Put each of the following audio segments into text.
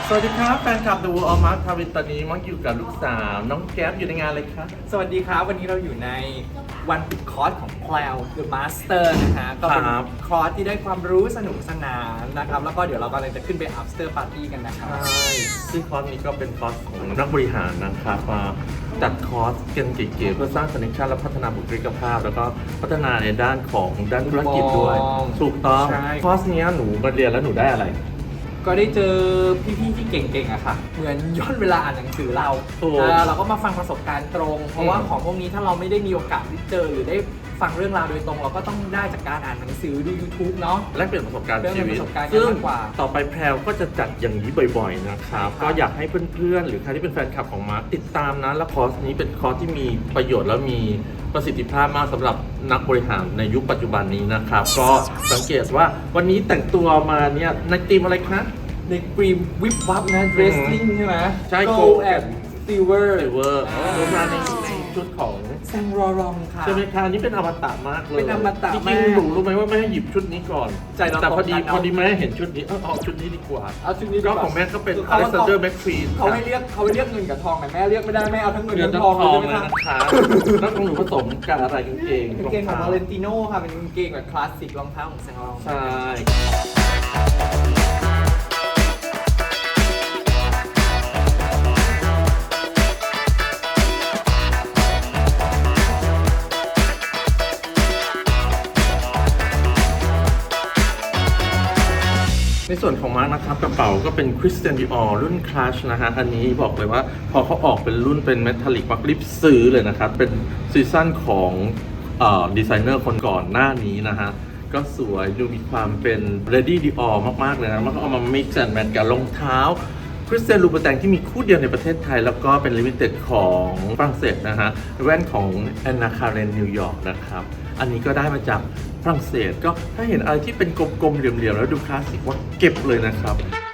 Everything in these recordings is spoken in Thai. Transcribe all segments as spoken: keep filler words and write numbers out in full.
สวัสดีครับแฟนคลับ The World of Mark ทวินตอนนี้มักอยู่กับลูกสาวน้องแก๊ปอยู่ในงานเลยครับสวัสดีครับวันนี้เราอยู่ในวันปิดคอร์สของ Cloud The Master นะฮะก็เป็นคอร์สที่ได้ความรู้สนุกสนานนะครับแล้วก็เดี๋ยวเรากำลังจะขึ้นไป After Party กันนะครับใช่ซึ่งคอร์สนี้ก็เป็นคอร์สของนักบริหารนะครับมาจัดคอร์สกันเก๋ๆเพื่อสร้างคอนเนคชั่นและพัฒนาบุคลิกภาพ แล้วก็พัฒนาในด้านของด้านธุรกิจด้วยถูกต้องคอร์สนี้หนูมาเรียนแล้วหนูได้อะไรก็ได้เจอพี่ๆที่เก่งๆอะค่ะเหมือนย้อนเวลาอ่านหนังสือเราเราก็มาฟังประสบการณ์ตรงเพราะว่าของพวกนี้ถ้าเราไม่ได้มีโอกาสได้เจอหรือได้ฟังเรื่องราวโดยตรงเราก็ต้องได้จากการอ่านหนังสือดู YouTube เนาะและเปลี่ยนประสบการณ์ชีวิตซึ่งต่อไปแพรวก็จะจัดอย่างนี้บ่อยๆนะครับก็อยากให้เพื่อนๆหรือใครที่เป็นแฟนคลับของมาร์คติดตามนะและคอร์สนี้เป็นคอร์สที่มีประโยชน์และมีประสิทธิภาพมากสำหรับนักบริหารในยุคปัจจุบันนี้นะครับก็สังเกตว่าวันนี้แต่งตัวมาเนี่ยในธีมอะไรคะในกรีมวิบวับนะ Wrestling ใช่ไหมใช่ Gold and Silver Silver รวมมาในชุดของแซงรอรองค่ะใช่ไหมคะอันนี้เป็นอมตะมากเลยเป็นอมตะจริงๆหนูรู้ไหมว่าแม่ให้หยิบชุดนี้ก่อนใจเราแต่พอดีพอดีแม่เห็นชุดนี้เออเอาชุดนี้ดีกว่าเอาชุดนี้ก็ของแม่ก็เป็น Alexander McQueen เขาให้เรียกเขาให้เรียกเงินกับทองแต่แม่เรียกไม่ได้แม่เอาทั้งเงินทั้งทองเลยนะคะแล้วของหนูผสมกับอะไรกางเกงกางเกงของ Valentino ค่ะเป็นกางเกงแบบคลาสสิกรองเท้าของแซงรองใช่ในส่วนของมาร์กนะครับกระเป๋าก็เป็น Christian Dior รุ่น Clutch นะฮะอันนี้บอกเลยว่าพอเขาออกเป็นรุ่นเป็นเมทัลลิกมักรีบซื้อเลยนะครับเป็นซีซั่นของดีไซเนอร์คนก่อนหน้านี้นะฮะก็สวยดูมีความเป็น Ready Dior มากๆเลยนะมันก็เอามา mix and match กับรองเท้า Christian Louboutin ที่มีคู่เดียวในประเทศไทยแล้วก็เป็น Limited ของฝรั่งเศสนะฮะแว่นของ Anna Karen New York นะครับอันนี้ก็ได้มาจากฝรั่งเศสก็ถ้าเห็นอะไรที่เป็นกลมๆเหลี่ยมๆแล้วดูคลาสสิกว่าเก็บเลยนะครับ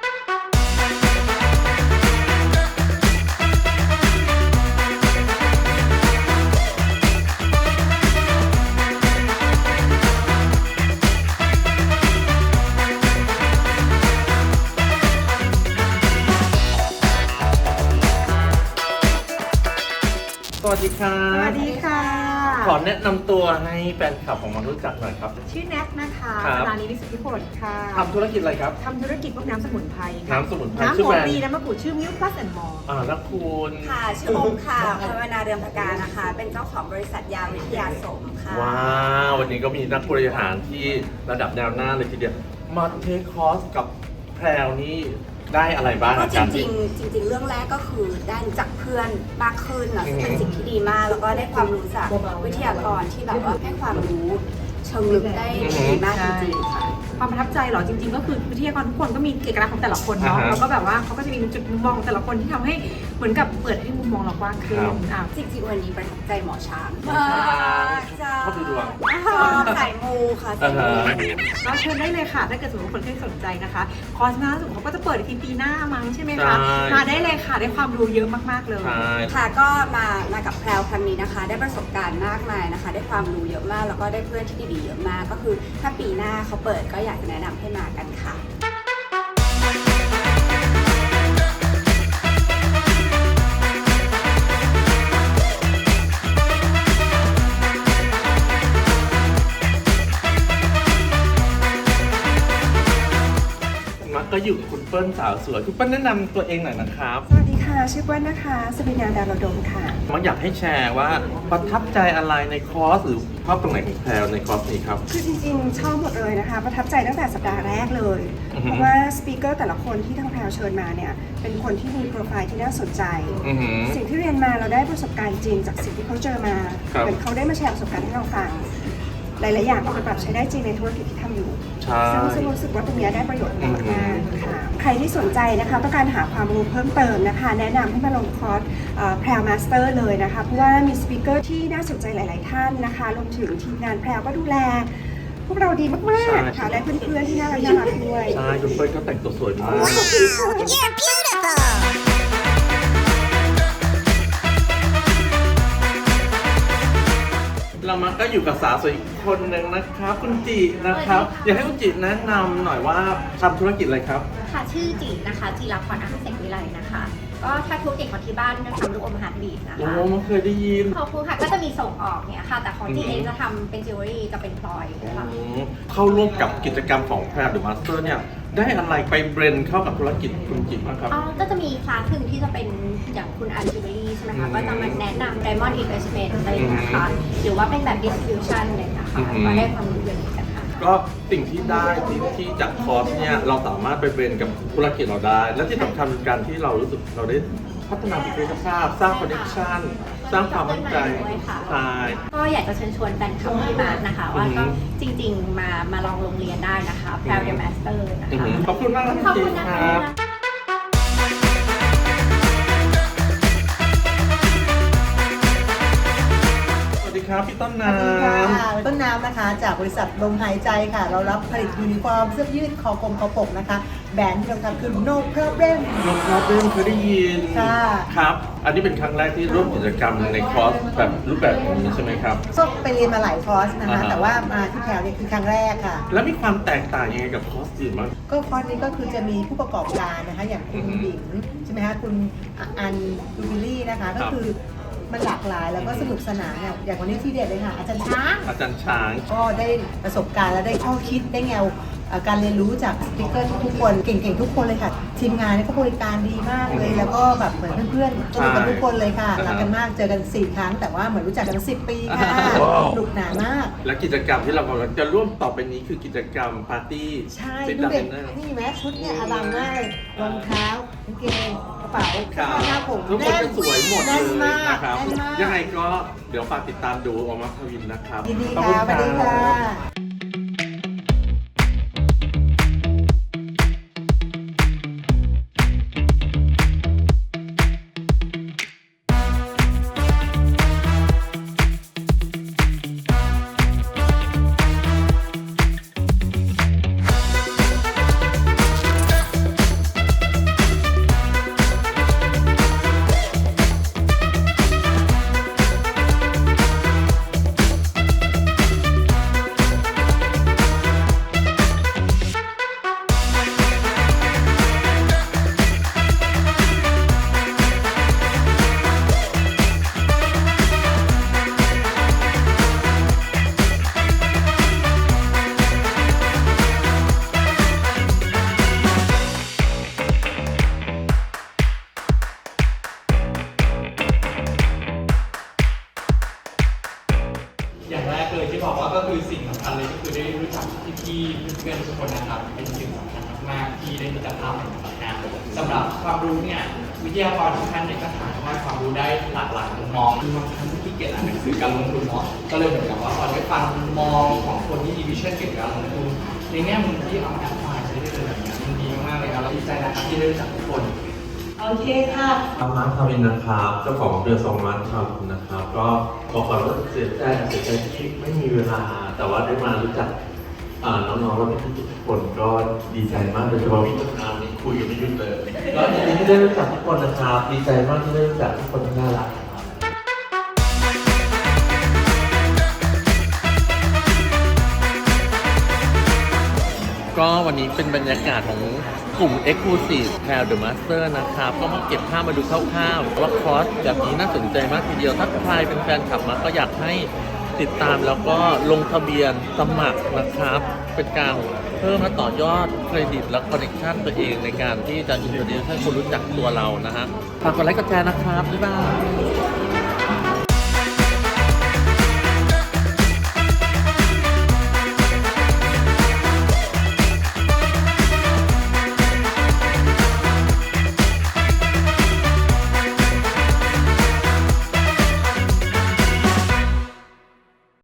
สวัสดีค่ะสวัสดีค่ะขอแนะนำตัวให้แฟนคลับของมันรู้จักหน่อยครับชื่อแน็กนะคะสถานีวิสุทธิผลค่ะทำธุรกิจอะไรครับทำธุรกิจพวกน้ำสมุนไพรน้ำสมุนไพรน้ำหอมดีน้ำมะกรูดชื่อมิวพลัสแอนด์มอร์อ่าแล้วคุณค่ะชื่อโอมค่ะภาวนาเรืองพกานะคะเป็นเจ้าของบริษัทยาวิทยาสมค่ะว้าววันนี้ก็มีนักบริหารที่ระดับแนวหน้าเลยทีเดียวมาเทคคอร์สกับแพรวนี่ได้อะไรบ้างก็จริงๆจริงๆเรื่องแรกก็คือได้รู้จักเพื่อนมากขึ้นนะเป็นสิ่งที่ดีมากแล้วก็ได้ความรู้จากวิทยากรที่แบบว่าให้ความรู้เชิงลึกได้ดีมากจริงๆค่ะความประทับใจเหรอจริงๆก็คือวิทยากรทุกคนก็มีเอกลักษณ์ของแต่ละคนเนาะแล้วก็แบบว่าเขาก็จะมีจุดมุมมองแต่ละคนที่ทำให้เหมือนกับเปิดให้มุมมองเรากว้างขึ้นจริงๆวันนี้ประทับใจหมอช้างชอบดูดวงชอบสายมูค่ะสายมูก็เชิญได้เลยค่ะถ้าเกิดสมมติคนที่สนใจนะคะคอร์สหน้าสุดเขาก็จะเปิดทีปีหน้ามั้งใช่ไหมคะมาได้เลยค่ะได้ความรู้เยอะมากๆเลยค่ะก็มามากับแพรวครั้งนี้นะคะได้ประสบการณ์มากมายนะคะได้ความรู้เยอะมากแล้วก็ได้เพื่อนที่ดีๆเยอะมากก็คือถ้าปีหน้าเขาเปิดก็อยากจะแนะนำให้มากันค่ะก็อยู่กับคุณเปิ้ลสาวสวยคุณเปิ้ลแนะนำตัวเองหน่อยนะครับสวัสดีค่ะชื่อเปิ้ลนะคะสมิญญาดารดมค่ะมันอยากให้แชร์ว่าประทับใจอะไรในคอร์สหรือชอบตรงไหนของแพรวในคอร์สนี้ครับคือจริงๆชอบหมดเลยนะคะประทับใจตั้งแต่สัปดาห์แรกเลยเพราะว่าสปีกเกอร์แต่ละคนที่ทางแพรวเชิญมาเนี่ยเป็นคนที่มีโปรไฟล์ที่น่าสนใจสิ่งที่เรียนมาเราได้ประสบการณ์จริงจากสิ่งที่เขาเจอมาเหมือนเขาได้มาแชร์ประสบการณ์ให้เราฟังหลายๆอย่างเอาไปปรับใช้ได้จริงในธุรกิจที่ทำอยู่ซึ่งรู้สึกว่าตรงนี้ได้ประโยชน์มากๆค่ะใครที่สนใจนะคะต้องการหาความรู้เพิ่มเติมนะคะแนะนำให้มาลงคอร์สแพรวมาสเตอร์เลยนะคะเพราะว่ามีสปีกเกอร์ที่น่าสนใจหลายๆท่านนะคะรวมถึงทีมงานแพรวก็ดูแลพวกเราดีมากๆค่ะและเพื่อนๆที่น่ารักน่ารักด้วยใช่คุณเปิ้ลก็แต่งตัวสวยมากเรามาก็อยู่กับสาวสวยอีกคนหนึ่งนะครับ คุณจินะครับ อยากให้คุณจิแนะนำหน่อยว่าทำธุรกิจอะไรครับค่ะชื่อจีนะคะจีรพรอาหารเสกวิไลนะคะ ก็ถ้าธุรกิจของที่บ้านก็ทำลูกอมอาหารบีบนะโอ้คะไม่เคยได้ยินขอบคุณค่ะก็จะมีส่งออกเนี่ยค่ะ แต่ของจีอืมเองจะทำเป็นจิวเวลรี่จะเป็นพลอยค่ะอืมเข้าร่วมกับกิจกรรมของแพรหรือมาสเตอร์เนี่ยได้อะไรไปเบรนเข้ากับธุรกิจคุณจิบ้างครับอ๋อก็จะมีคลาสหนึ่งที่จะเป็นอย่างคุณอันจิวเวลรี่ใช่ไหมอืคะมก็จะมาแนะนำ Diamond Investment อะไรอย่างเงี้ยค่ะหรือว่าเป็นแบบ distribution อะไรอย่างเลยนะคะอืมก็ได้ความรู้เยอะเหมือนกันค่ะก็สิ่งที่ได้ที่ที่จากคอร์สเนี่ยเราสามารถไปเบรนกับธุรกิจเราได้ และที่สำคัญคือการที่เรารู้สึกเราได้พัฒนาบุคลิกภาพสร้างคอนเนคชั่นสร้างความมั่นใจใช่ก็อยากจะเชิญชวนแฟนคลับที่มานะคะ ว่าก็จริงๆมามาลองโรงเรียนได้นะคะ p r o u d the Master นะอือคะหือขอบคุณมากครับขอบคุณคุจิณนะคคะรับ สวัสดีครับพี่ต้นสน้วัสดีค่ะำต้นน้ำนะคะจากบริษัทลมหายใจค่ะ เรารับผลิตยูนิฟอร์มเสื้อยืดคอกลมคอปกนะคะ แบรนด์ที่เราทำคือ No Problem นกครับเรื่องเคยได้ยินค่ะครับ อันนี้เป็นครั้งแรกที่ร่วมกิจกรรมในคอร์สแบบรูปแบบนี้ใช่ไหมครับก็ไปเรียนมาหลายคอร์สนะคะอ่าฮะแต่ว่ามาที่แพรวเนี่ยคือครั้งแรกค่ะแล้วมีความแตกต่างยังไงกับคอร์สอื่นบ้างก็คอร์สนี้ก็คือจะมีผู้ประกอบการนะคะ อย่างคุณอือฮึบิ๋มใช่ไหมคะคุณอันดูบิลลี่นะคะครัก็บคือมันหลากหลายแล้วก็สนุกสนานเนี่ยอย่างวันนี้ที่เด็ดเลยค่ะ อาจารย์ช้างอาจารย์ช้างก็ได้ประสบการณ์และได้ข้อคิดได้แนวเอ่อการเรียนรู้จากสปิเกอร์ทุกๆคนเก่งๆทุกคนเลยค่ะ ทีมงานเนี่ยก็บริการดีมากเลย แล้วก็แบบเหมือนเพื่อนๆสนุกกันทุกคนเลยค่ะใช่รักกันมากเจอกันสี่ครั้ง แต่ว่าเหมือนรู้จักกันสิบปีค่ะว้าวสนุกหนามากและกิจกรรมที่เรากำลังจะร่วมต่อไปนี้คือกิจกรรมปาร์ตี้ใช่ซิดดูดัมเด็กเนอร์นี่แม้ชุดเนี่ยอลังมากเลยรองเท้ากางเกงกระเป๋าครัเสื้อผ้าหน้าผมทุกคนจะสวยหมดเลแน่นยมากนะครับแน่นมากยังไงก็เดี๋ยวฝากติดตามดูออมัควินนะครับยินดีขอบค่ะณสวัสดีค่ะรับอย่างแรกเลยที่บอกว่าก็คือสิ่งสำคัญเลยก็คือได้รู้จักพี่ๆเพื่อนๆทุกคนนะครับเป็นสิ่งสำคัญมากๆที่ได้มีแต่ภาพในสำนักงานสำหรับความรู้เนี่ยวิทยากรทุกท่านเนี่ยก็ถ่ายทอดความรู้ได้หลากหลายมุมมองคือบางครั้งที่เกียรติอ่านหนังสือการลงทุนเนาะก็เลยเหมือนกับว่าพอได้ฟังมุมมองของคนที่มีวิชั่นเกี่ยวกับการลงทุนในแง่มุมที่เอามาแอพพลายใช้ได้เลยแบบนี้มันดีมากๆเลยครับแล้วดีใจนะครับที่ได้รู้จักทุกคนโอเคค่ะมาร์คทาวินนะครับเจ้าของเรือสองมาร์คทาวินนะครับ ก็บอกก่อนว่าเสียใจเสียใจที่ไม่มีเวลา แต่ว่าได้มารู้จักอ่าน้องๆและพี่ๆทุกคนก็ดีใจมากโดยเฉพาะพี่ต้นน้ำนี่คุยกันไม่หยุดเลยก็ยินดีที่ได้รู้จักทุกคนนะครับดีใจมากที่ได้รู้จักทุกคนที่น่ารักครับก็วันนี้เป็นบรรยากาศของกลุ่ม Exclusive แพร The Master นะครับ ก็มาเก็บภาพมาดูคร่าวๆว่าคอร์สแบบนี้น่าสนใจมากทีเดียว ถ้าใครเป็นแฟนคลับมาก็อยากให้ติดตามแล้วก็ลงทะเบียนสมัครนะครับ เป็นการเพิ่มและต่อยอดเครดิตและคอนเนคชั่นตัวเองในการที่จะอินโทรดิวให้คนรู้จักตัวเรานะฮะฝากกดไลค์กดแชร์นะครับ บ๊ายบาย